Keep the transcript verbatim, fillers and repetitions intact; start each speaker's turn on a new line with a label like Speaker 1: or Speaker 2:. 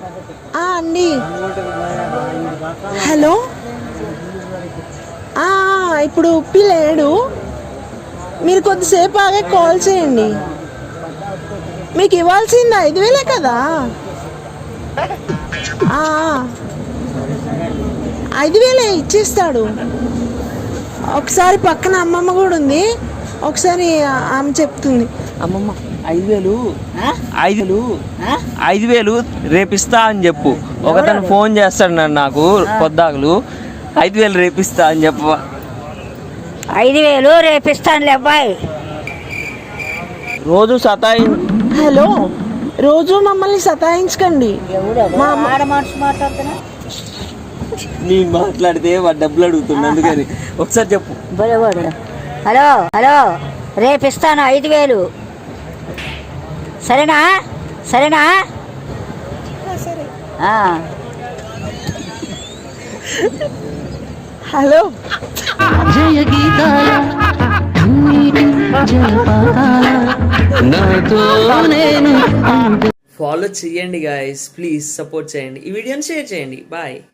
Speaker 1: అండి హలో ఇప్పుడు ఉప్పి లేడు, మీరు కొద్దిసేపు ఆగే కాల్ చేయండి. మీకు ఇవ్వాల్సింది ఐదు వేలే కదా, ఐదు వేలే ఇచ్చేస్తాడు. ఒకసారి పక్కన అమ్మమ్మ కూడా ఉంది, ఒకసారి ఆమె చెప్తుంది.
Speaker 2: అమ్మమ్మ ఐదు వేలు ఐదు వేలు ఐదు వేలు రేపిస్తా అని చెప్పు. ఒకతను ఫోన్ చేస్తాడు నన్ను నాకు పొద్దాకులు, ఐదు వేలు రేపిస్తా అని చెప్పు.
Speaker 3: ఐదు వేలు రేపిస్తానులే అబ్బాయి.
Speaker 2: రోజు సతాయి
Speaker 1: హలో రోజు మమ్మల్ని సతాయించకండి.
Speaker 2: నేను మాట్లాడితే వాడు డబ్బులు అడుగుతున్నా, అందుకని ఒకసారి చెప్పు.
Speaker 3: హలో హలో రేపిస్తాను ఐదు వేలు, సరేనా సరేనా?
Speaker 1: హలో
Speaker 4: జయ గీతాల
Speaker 5: ఫాలో చేయండి గాయస్, ప్లీజ్ సపోర్ట్ చేయండి, ఈ వీడియోని షేర్ చేయండి. బాయ్.